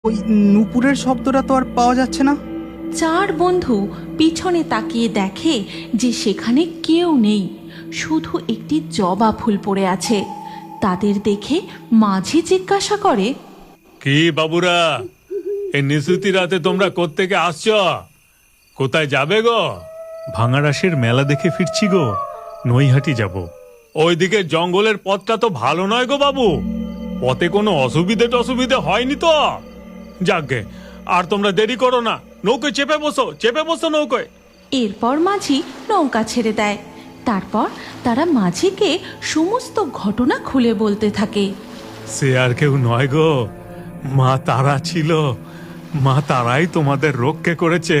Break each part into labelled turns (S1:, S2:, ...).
S1: ওই নূপুরের শব্দটা তো আর পাওয়া যাচ্ছে না।
S2: চার বন্ধু পিছনে তাকিয়ে দেখে যে সেখানে কেউ নেই, শুধু একটি জবা ফুল পড়ে আছে। তাদের দেখে মাঝি জিজ্ঞাসা করে,
S3: কি বাবুরা, এই নিশুতি রাতে তোমরা কোত্থেকে আসছ? কোথায় যাবে গো?
S4: ভাঙাড়াসের মেলা দেখে ফিরছি গো, নৈহাটি যাব।
S3: ওইদিকে জঙ্গলের পথটা তো ভালো নয় গো বাবু, পথে কোনো অসুবিধে হয়নি তো? যাকগে, আর তোমরা দেরি করো না, নৌকোয় চেপে বসো নৌকোয়।
S2: এরপর মাঝি নৌকা ছেড়ে দেয়। তারপর তারা মাঝিকে সমস্ত ঘটনা খুলে বলতে থাকে।
S4: সে আর কেউ নয় গো, মা তারা ছিল। মা তারাই তোমাদের রক্ষে করেছে।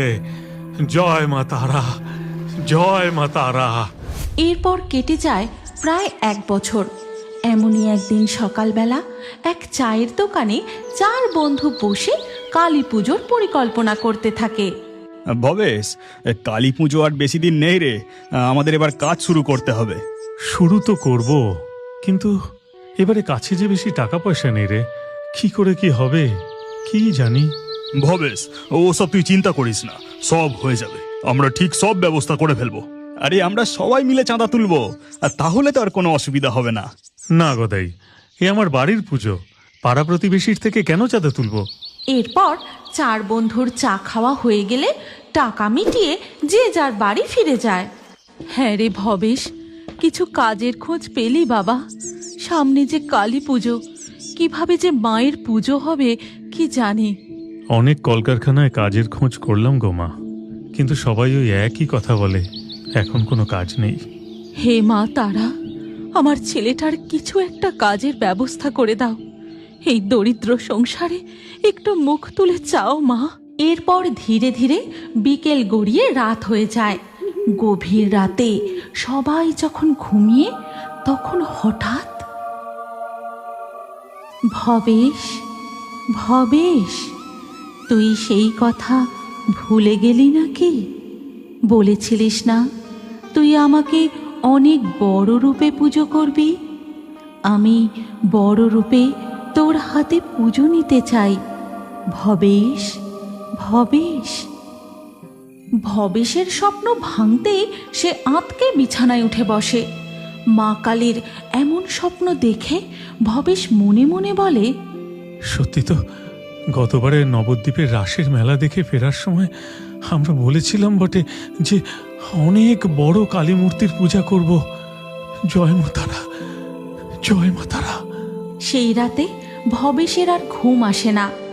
S4: জয় মা তারা, জয় মা তারা।
S2: এরপর কেটে যায় প্রায় 1 বছর। এমনই একদিন সকালবেলা এক চায়ের দোকানে চার বন্ধু বসে কালী পুজোর পরিকল্পনা করতে থাকে।
S5: ভবেশ, কালী পুজো আর বেশি দিন নেই রে, আমাদের এবার কাজ শুরু করতে হবে।
S4: শুরু তো করব, কিন্তু এবারে কাছে যে বেশি টাকা পয়সা নেই রে। কি করে কি হবে কি জানি।
S5: ভবেশ, ওসব তুই চিন্তা করিস না, সব হয়ে যাবে। আমরা ঠিক সব ব্যবস্থা করে ফেলবো। আরে আমরা সবাই মিলে চাঁদা তুলবো, আর তাহলে তো আর কোনো অসুবিধা হবে না।
S4: না গদাই, এ আমার বাড়ির পুজো, পাড়া প্রতিবেশীর থেকে কেন চাঁদা তুলবো?
S2: এরপর চার বন্ধুর চা খাওয়া হয়ে গেলে টাকা মিটিয়ে যে যার বাড়ি ফিরে যায়। হ্যাঁ রে ভবেশ, কিছু কাজের খোঁজ পেলি বাবা? সামনে যে কালী পুজো, কিভাবে যে মায়ের পুজো হবে কি জানি।
S4: অনেক কলকারখানায় কাজের খোঁজ করলাম গো মা, কিন্তু সবাই ওই একই কথা বলে, এখন কোনো কাজ নেই।
S2: হে মা তারা, আমার ছেলেটার কিছু একটা কাজের ব্যবস্থা করে দাও। এই দরিদ্র সংসারে একটু মুখ তুলে চাও মা। এরপর ধীরে ধীরে বিকেল গড়িয়ে রাত হয়ে যায়। গভীর রাতে সবাই যখন ঘুমিয়ে, তখন হঠাৎ ভবেশ, ভবেশ, তুই সেই কথা ভুলে গেলি নাকি? বলেছিলিস না তুই আমাকে অনেক বড় রূপে পুজো করবি? আমি বড় রূপে তোর হাতে পুজো নিতে চাই ভবেশ, ভবেশ। ভবেশের স্বপ্ন ভাঙতেই সে আঁতকে বিছানায় উঠে বসে। মা কালীর এমন স্বপ্ন দেখে ভবেশ মনে মনে বলে,
S4: সত্যি তো, গতবারে নবদ্বীপের রাসের মেলা দেখে ফেরার সময় আমরা বলেছিলাম বটে যে অনেক বড় কালী মূর্তির পূজা করব। জয় মা তারা, জয় মা তারা।
S2: সেই রাতে ভবেশের আর ঘুম আসে না।